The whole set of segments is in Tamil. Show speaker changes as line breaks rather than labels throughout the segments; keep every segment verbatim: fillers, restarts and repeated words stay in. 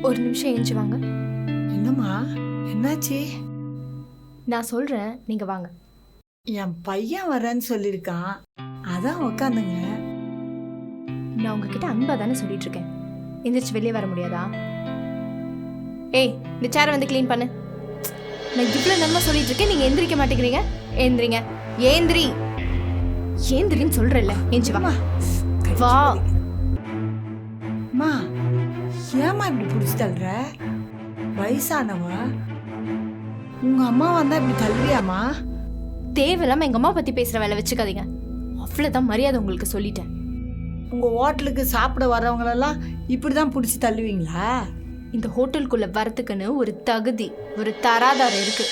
ஒரு நிமிஷம் எழுந்து வாங்க.
என்னம்மா என்னாச்சு?
நான் சொல்றேன், நீங்க வாங்க.
என் பையன் வரேன்னு சொல்லியிருக்கான், அதான் உக்காந்துங்க.
நான் உங்ககிட்ட அன்பா தானே சொல்லிட்டு இருக்கேன். எந்திரிச்சு வெளியே வர முடியாதா? ஏய், இந்த சேரை வந்து க்ளீன் பண்ணு. நான் இவ்வளவு நம்ம சொல்லிட்டு இருக்கேன், நீங்க எந்திரிக்க மாட்டேங்கிறீங்க. ஏந்திரிங்க, ஏந்திரி, ஏந்திரின்னு சொல்றேன்ல. ஏஞ்சி வா வா.
அம்மா ஏமா இப்படி பிடிச்சி தள்ளுற? வயசானவ உங்க அம்மா வந்தா இப்படி தள்ளுவியாமா?
தேவையில்லாம எங்க அம்மா பத்தி பேசுற வேலை வச்சுக்காதீங்க. அவ்வளவுதான் மரியாதை உங்களுக்கு சொல்லிட்டேன்.
உங்க ஹோட்டலுக்கு சாப்பிட வர்றவங்களெல்லாம் இப்படிதான் பிடிச்சி தள்ளுவீங்களா?
இந்த ஹோட்டலுக்குள்ள வரத்துக்குன்னு ஒரு தகுதி, ஒரு தராதாரம் இருக்கு.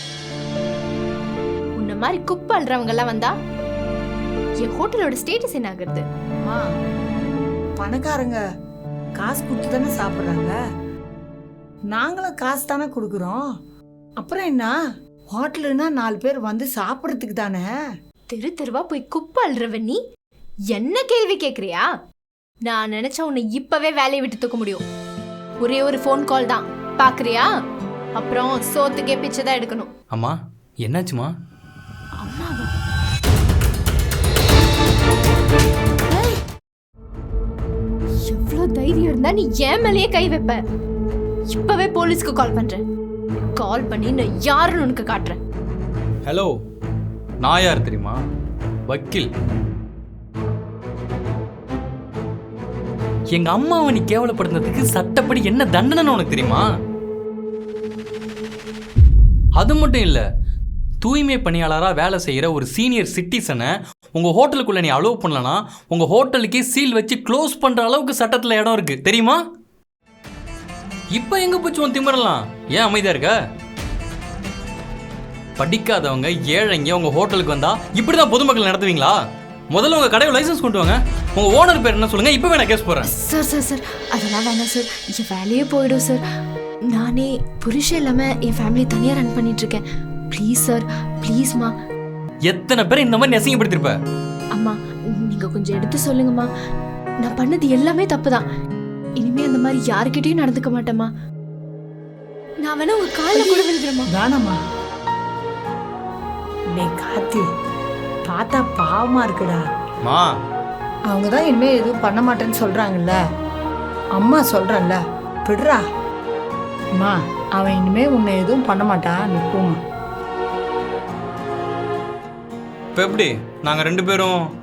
உன்ன மாதிரி குப்பை அல்றவங்க எல்லாம் வந்தா என் ஹோட்டலோட ஸ்டேட்டஸ் என்ன ஆகுறது?
அம்மா, பணக்காரங்க காசு கொடுத்து தானே சாப்பிட்றாங்க, நாங்களும் காசு தானே கொடுக்குறோம். அப்புறம் என்ன, ஹோட்டலுன்னா நாலு பேர் வந்து சாப்பிட்றதுக்கு தானே.
தெரு தெருவா போய் குப்பை அல்றவ நீ என்ன கேள்வி கேட்குறியா? நான் நினைச்சா உன்னை இப்பவே வேலையை விட்டு தூக்க முடியும். ஒரே ஒரு ஃபோன் கால் தான், பாக்குறியா? அப்புறம் சோத்துக்கே பிச்சை தான் எடுக்கணும்.
அம்மா என்னாச்சுமா?
அம்மாவா? எவ்வளவு தைரியம் இருந்தா நீ ஏன் மேலேயே கை வைப்ப? இப்பவே போலீஸ்க்கு கால் பண்றேன். கால் பண்ணி நான் யாருன்னு உனக்கு காட்டுறேன்.
ஹலோ, நான் யார் தெரியுமா? வக்கீல். எங்க அம்மாவை நீ கேவலப்படுத்துறதுக்கு சட்டப்படி என்ன தண்டனை உனக்கு தெரியுமா? அது மட்டும் இல்ல, தூய்மை பணியாளராக வேலை செய்யற ஒரு சீனியர் சிட்டிசனை உங்க ஹோட்டலுக்குள்ள நீ அலோவ் பண்ணலனா உங்க ஹோட்டலுக்கே சீல் வச்சு க்ளோஸ் பண்ற அளவுக்கு சட்டத்துல இடம் இருக்கு தெரியுமா? இப்ப எங்க போச்சு உன் திமிரலாம்? ஏன் அமைதியா இருக்க? படிக்காதவங்க ஏழைங்க உங்க ஹோட்டலுக்கு வந்தா இப்படிதான் பொதுமக்கள் நடத்துவீங்களா? முதல்ல உங்க கடையை லைசன்ஸ் கொண்டு வாங்க. உங்க ஓனர் பேர் என்ன சொல்லுங்க, இப்பவே நான் கேஸ் போறேன்.
சார் சார் சார் அதெல்லாம் வேணாம் சார், என் வேலையே போயிடும் சார். நானே புருஷன் இல்லாம என் ஃபேமிலி தனியா ரன் பண்ணிட்டு இருக்கேன். ப்ளீஸ் சார், ப்ளீஸ்மா.
எத்தனை பேர் இந்த மாதிரி அசிங்கப்படுத்திருப்ப?
அம்மா நீங்க கொஞ்சம் எடுத்து சொல்லுங்கம்மா. நான் பண்ணது எல்லாமே தப்புதான். இனிமே அந்த மாதிரி யாருக்கிட்டையும் நடந்துக்க மாட்டேம்மா. நான் வேணா உங்க காலில் கூட விழுகிறேம்மா.
தானம்மா, நீ காத்தி பார்த்தா பாவமா இருக்குடா.
மா,
அவங்க தான் இனிமே எதுவும் பண்ண மாட்டேன்னு சொல்றாங்கல்ல, அம்மா சொல்றேன்ல, விடுறா. அம்மா, அவன் இனிமே உன்னை எதுவும் பண்ண மாட்டான், நிற்போமா.
இப்போ எப்படி நாங்கள் ரெண்டு பேரும்